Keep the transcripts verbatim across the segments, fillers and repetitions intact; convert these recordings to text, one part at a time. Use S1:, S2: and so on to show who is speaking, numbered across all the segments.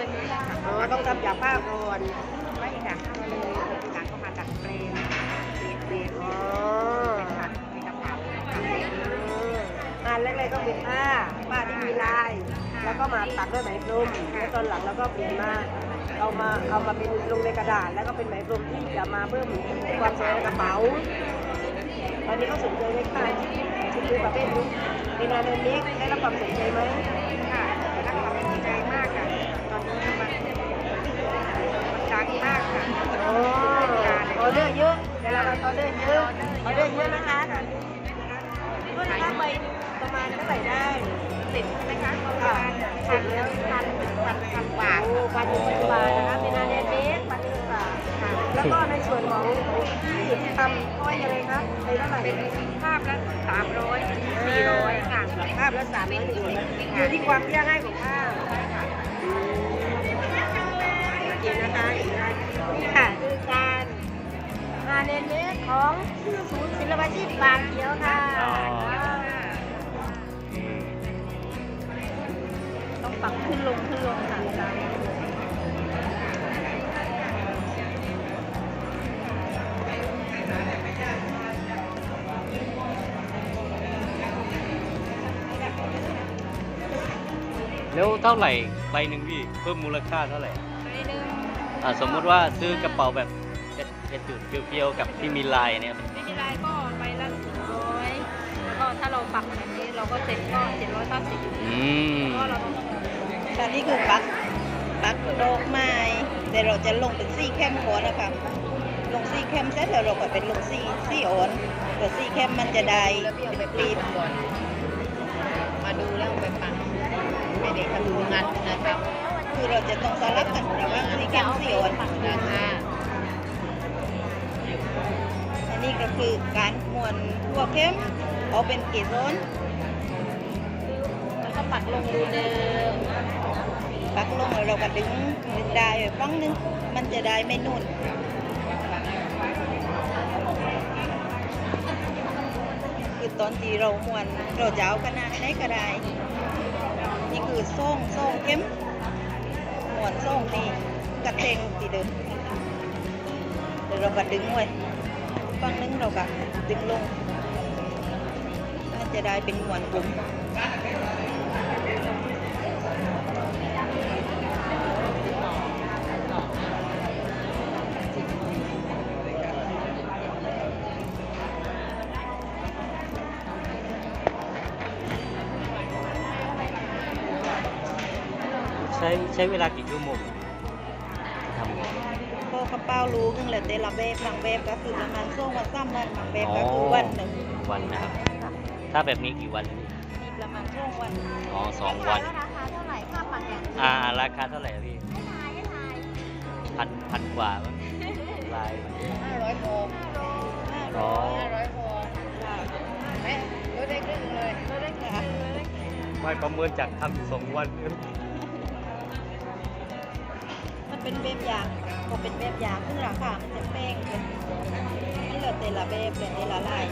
S1: อ๋อต้องทำจากผ้าก่อน
S2: ไม่ค่ะก็เลยหลังก็มาดัดแปลงเปลี่ยนเปลี่ยน
S1: อ๋อ
S2: เป็นผัดเป็นกระเป๋าค่ะ
S1: งานแรกๆก็เป็นผ้าผ้าที่มีลาย แล้วก็มาตัดด้วยไหมพรมแล้วตอนหลังเราก็เปลี่ยนมาเอามาเอามาเป็นลงในกระดาษแล้วก็เป็นไหมพรมที่จะมาเพิ่มความสวยในกระเป๋าตอนนี้ก็สนใจไหมคะชุดนี้ประเภทนี้ในงานเดือนนี้ได้รับความสนใจไหม
S2: ค่ะรักความสนใจมากค่ะ ตอนนี้มันมันดังมากค่ะ
S1: อ๋อออเดอร์เยอะเวลาเราออเดอร์เยอะออเดอร์เยอะนะคะตอนนี้ก็นะคะไปประมาณเท่าไหร่ได้
S2: ติดนะคะประมาณพันแล้วพันถึงพันพันกว่า
S1: โอ้พันหนึ่งพันบาทนะคะเป็นงานเดือนนี้พันหนึ่งบาทค่ะแล้วก็ในส่วนของที่ทำก้อยอะไรคะในเท่าไหร่
S2: เป็นภาพละสามร้อยถึงสี่ร้อยค่ะ
S1: ภาพละสามร้อยถึงสี่อยู่ที่ความยากง่ายของภาพจริงนะคะนี่ค่ะคือการงานเน้นเนสของศูนย์ศิลปาชีพบางเขียวค่ะต้องปรับขึ้นลงขึ้นลงค่ะ
S3: แล้วเท่าไหร่ใบหนึ่งพี่เพิ่มมูลค่าเท่าไหร่
S2: ไปหนึ่ง
S3: อ่าสมมุติว่าซื้อกระเป๋าแบบเป็นจุดเพียวๆกับที่มีลายเนี่ย
S2: ไม่มีไรก็ไปละสี่ร้อยแล้วก็ถ้าเราปักแบบนี้เราก็เซ็ตก็เจ็ดร้อยเก้าสิบ
S3: อืม
S2: ก็เราต้อง
S1: ตอนนี้คือปักปักดอกไม้แต่เราจะลงเป็นซี่เข้มก่อนนะคะลงซี่เข้มเสร็จแล้วเราก็เป็นลงซี่ซี่อ่อนแต่ซี่เข้มมันจะได้เป็นปีบก่อน
S2: มาดูแล้วไปปักไม่ได้ทำงานนะครับ
S1: คือเราจะต้องสลับกันระหว่างซี่เข้มซี่อ่อน
S2: นะคะ
S1: อันนี้ก็คือการม้วนทั่วเข้มเอาเป็นเกสร
S2: แล้วก็ปักลงรูเดิม
S1: ปักลงแล้วเราก็ดึงดึงได้ไว้ฟังนึงมันจะได้ไม่นุ่นคือตอนที่เราม้วนเราจะเอาขนาดไหนก็ได้นี่คือส่งส่งเข้มม้วนส่งนี่กระเทงตีเดิมเดี๋ยวเราก็ดึงไว้ฟังนึงเราก็ดึงลงมันจะได้เป็นม้วนกลุ่ม
S3: ใช้ใช้เวลากี่ชั่วโมงทำ
S1: ก็กระเป๋ารู้นึงแหละแต่ละแบบบางแบบก็คือประมาณช่วงวันซ้ำวันบางแบบก็คือวันหนึ่ง
S3: วันนะครับ ถ้าแบบนี้กี่วันนะพี่
S1: มีประมาณช่วงวัน
S3: อ๋อสองวัน
S2: ราคาเท่าไหร่ค่าปักอย่างนี้
S3: อ่าราคาเท่าไหร่อะพี่
S2: ไม่ทายไม่ทาย
S3: พันพันกว่ามั้งลาย
S1: ห้าร้อยโล
S3: อ๋อ
S1: ห้าร้อยโลแม่ลดได้ครึ่งเลยลดได้ค่ะ
S3: ไม่ประเมินจากทำสองวัน
S1: มันเป็นแบบอย่างก็เป็นแบบอย่างซึ่งราคามันจะแพงเลยมันเหลือแต่ละแบบเหลือแต่ละลาย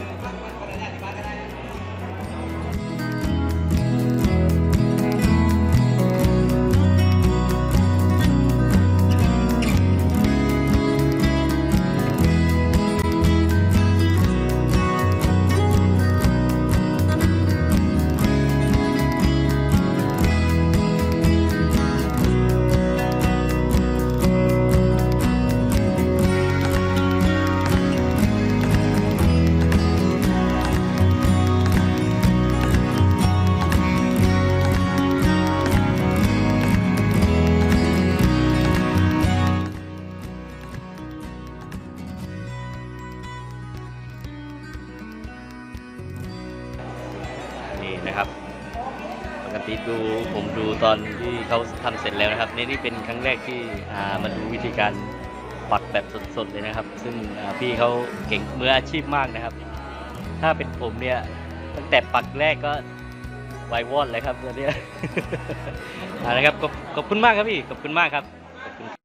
S3: นี่นะครับปกติดูผมดูตอนที่เขาทำเสร็จแล้วนะครับนี่นี่เป็นครั้งแรกที่อ่ามาดูวิธีการปักแบบสดๆเลยนะครับ ซึ่งอ่าพี่เขาเก่งมืออาชีพมากนะครับ ถ้าเป็นผมเนี่ยตั้งแต่ปักแรกก็ไวายวอดเลยครับตัวเนี้ย อ่านะครับขอบขอบคุณมากครับพี่ขอบคุณมากครับ